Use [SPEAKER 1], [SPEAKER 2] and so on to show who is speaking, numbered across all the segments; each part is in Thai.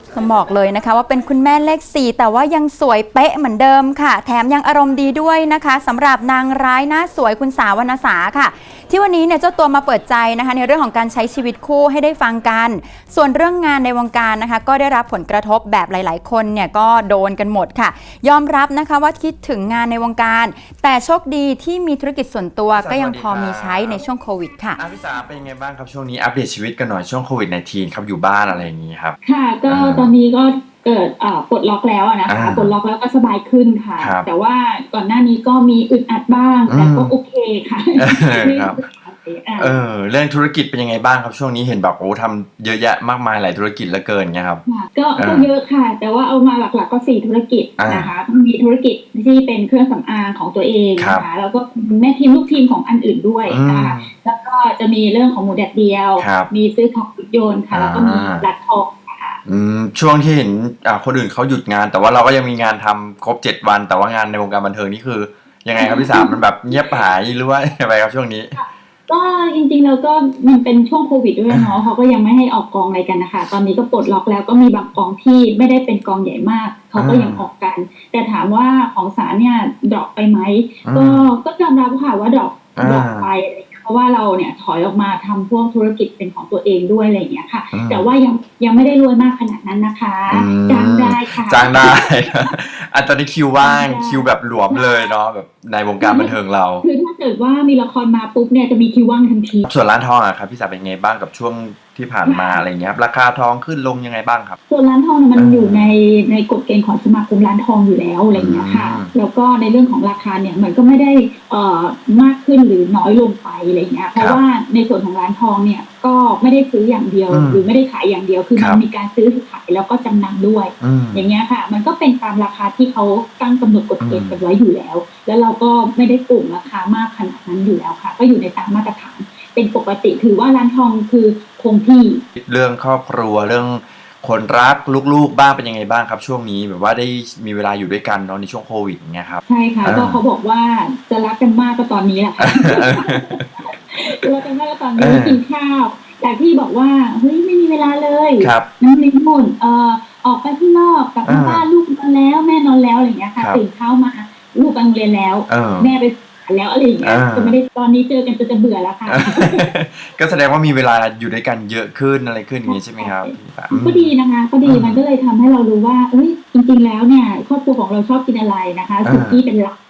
[SPEAKER 1] ต้องบอกเลยนะคะว่าเป็นคุณแม่เลข4แต่ว่ายังสวยเป๊ะเหมือนเดิมค่ะแถมยังอารมณ์ดีด้วยนะคะสำหรับนางร้ายหน้าสวยคุณสาววรรณสาค่ะที่วันนี้เนี่ยเจ้าตัวมาเปิดใจนะคะในเรื่องของการใช้ชีวิตคู่ให้ได้ฟังกันส่วนเรื่องงานในวงการนะคะก็ได้รับผลกระทบแบบหลายๆคนเนี่ยก็โดนกันหมดค่ะยอมรับนะคะว่าคิดถึงงานในวงการแต่โชคดีที่มีธุรกิจส่วนตัวก็ยังพอมีใช้ในช่วงโควิดค่ะ
[SPEAKER 2] พี่สาเป็นยังไงบ้างครับช่วงนี้อัปเดตชีวิตกันหน่อยช่วงโควิด -19 ครับอยู่บ้านอะไรอย่างนี้ครับ
[SPEAKER 3] ค่ะก็ตอนนี้ก็เกิดปลดล็อกแล้วนะคะปลดล็อกแล้วก็สบายขึ้นค่ะแต่ว่าก่อนหน้านี้ก็มีอึดอัดบ้างแต่ก็โอเคค่ะ
[SPEAKER 2] ครับเรื่องธุรกิจเป็นยังไงบ้างครับช่วงนี้เห็นแบบโอ้ทำเยอะแยะมากมายหลายธุรกิจเหลือเกินเงี้ยครับ
[SPEAKER 3] ก็เยอะค่ะแต่ว่าเอามาหลักๆก็4ธุรกิจนะคะมีธุรกิจที่เป็นเครื่องสำอางของตัวเองนะคะแล้วก็แม่ทีมลูกทีมของอันอื่นด้วยนะคะแล้วก็จะมีเรื่องของหมูแดดเดียวมีซื้อของรถยนต์ค่ะแล้วก็มีร้านทอง
[SPEAKER 2] ช่วงที่เห็นคนอื่นเขาหยุดงานแต่ว่าเราก็ยังมีงานทำครบ7 วันแต่ว่างานในวงการบันเทิงนี่คือยังไงครับพี่สามมันแบบเงียบหายหรือว่าอะไรครับช่วงนี้
[SPEAKER 3] ก็จริงๆแล้วก็มันเป็นช่วงโควิดด้วยเนาะเขาก็ยังไม่ให้ออกกองอะไรกันนะคะตอนนี้ก็ปลดล็อกแล้วก็มีบางกองที่ไม่ได้เป็นกองใหญ่มากเขาก็ยังออกกันแต่ถามว่าของศาลเนี่ยดรอปไปไหมก็ยอมรับค่ะว่าดรอปไปเพราะว่าเราเนี่ยถอยออกมาทำพวกธุรกิจเป็นของตัวเองด้วยอะไรอย่างเงี้ยค่ะแต่ว่ายังไม่ได้รวยมากขนาดนั้นนะคะจ้างได้ค่ะ
[SPEAKER 2] จ้างได้ตอนนี้คิวว่างคิวแบบหลวมเลยเนาะแบบในวงการบันเทิงเรา
[SPEAKER 3] คือถ้าเกิดว่ามีละครมาปุ๊บเนี่ยจะมีคิวว่างทันที
[SPEAKER 2] ส่วนร้านทองอะครับพี่สาวเป็นไงบ้างกับช่วงที่ผ่านมาอะไรเงี้ยราคาทองขึ้นลงยังไงบ้างครับ
[SPEAKER 3] ส่วนร้านทองมันอยู่ในกฎเกณฑ์ของสมาคมร้านทองอยู่แล้วอะไรเงี้ยค่ะแล้วก็ในเรื่องของราคาเนี่ยมันก็ไม่ได้มากขึ้นหรือน้อยลงไปอะไรเงี้ยเพราะว่าในส่วนของร้านทองเนี่ยก็ไม่ได้ซื้ออย่างเดียวหรือไม่ได้ขายอย่างเดียวคือมันมีการซื้อขายแล้วก็จำนำด้วยอย่างเงี้ยค่ะมันก็เป็นตามราคาที่เขาตั้งกำหนดกฎเกณฑ์กันไว้อยู่แล้วแล้วเราก็ไม่ได้ปรุ่งราคามากขนาดนั้นอยู่แล้วค่ะก็อยู่ในตามมาตรฐานเป็นปกติถือว่าร้านทองคือคงที่
[SPEAKER 2] เรื่องครอบครัวเรื่องคนรักลูกๆบ้างเป็นยังไงบ้างครับช่วงนี้แบบว่าได้มีเวลาอยู่ด้วยกันเนาะในช่วงโควิดอย่างเงี้ยครับ
[SPEAKER 3] ใช่ค่ะก็เขาบอกว่าจะรักกันมากก็ตอนนี้แหละค่ะรักกันมากก็ตอนนี้กินข้าวแต่ที่บอกว่าเฮ้ยไม่มีเวลาเลยน้ำลิ้นหม่นออกไปที่นอกกลับมาบ้านลูกนอนแล้วแม่นอนแล้วอะไรอย่างเงี้ยค่ะตื่นเช้ามาลูกไปโรงเรียนแล้วแม่ไปแล้วอะไรอย่างเงี้ยก็ไม่ได้ตอนนี้เจอกันจนจะเบื่อแล้วค่ะ
[SPEAKER 2] ก็แสดงว่ามีเวลาอยู่ด้วยกันเยอะขึ้นอะไรขึ้นอย่างนี้ใช่ไหมครับ
[SPEAKER 3] ก็ดีนะคะก็ดีมันก็เลยทำให้เรารู้ว่าเอ้ยจริงๆแล้วเนี่ยครอบครัวของเราชอบกินอะไรนะคะสุกี้เป็นหลัก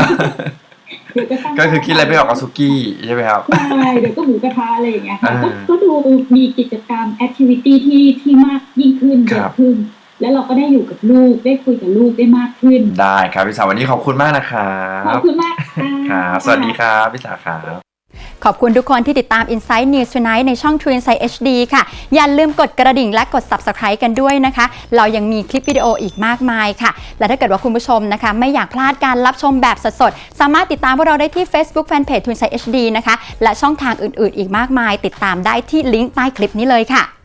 [SPEAKER 2] ก็คือคิดอะไรไม่ออกกับสุกี้ใช่ไหมครับ
[SPEAKER 3] ใช่เดี๋ยวก็หมูกระทะอะไรอย่างเงี้ยค่ะก็ดูมีกิจกรรมแอคทิวิตี้ที่มากยิ่งขึ้นเยอะขึ้นแล้วเราก็ได้อยู่กับลูกได้คุยกับลูกได้มากขึ้น
[SPEAKER 2] ได้ครับพี่สาววันนี้ขอบคุณมากนะครับ
[SPEAKER 3] ขอบคุณมาก
[SPEAKER 2] ค่ะสวัสดีครับพี่สาวครับ
[SPEAKER 1] ขอบคุณทุกคนที่ติดตาม Insight News Tonight ในช่อง True Insight HD ค่ะอย่าลืมกดกระดิ่งและกด Subscribe กันด้วยนะคะเรายังมีคลิปวิดีโออีกมากมายค่ะและถ้าเกิดว่าคุณผู้ชมนะคะไม่อยากพลาดการรับชมแบบสดๆสามารถติดตามพวกเราได้ที่ Facebook Fanpage True Insight HD นะคะและช่องทางอื่นๆอีกมากมายติดตามได้ที่ลิงก์ใต้คลิปนี้เลยค่ะ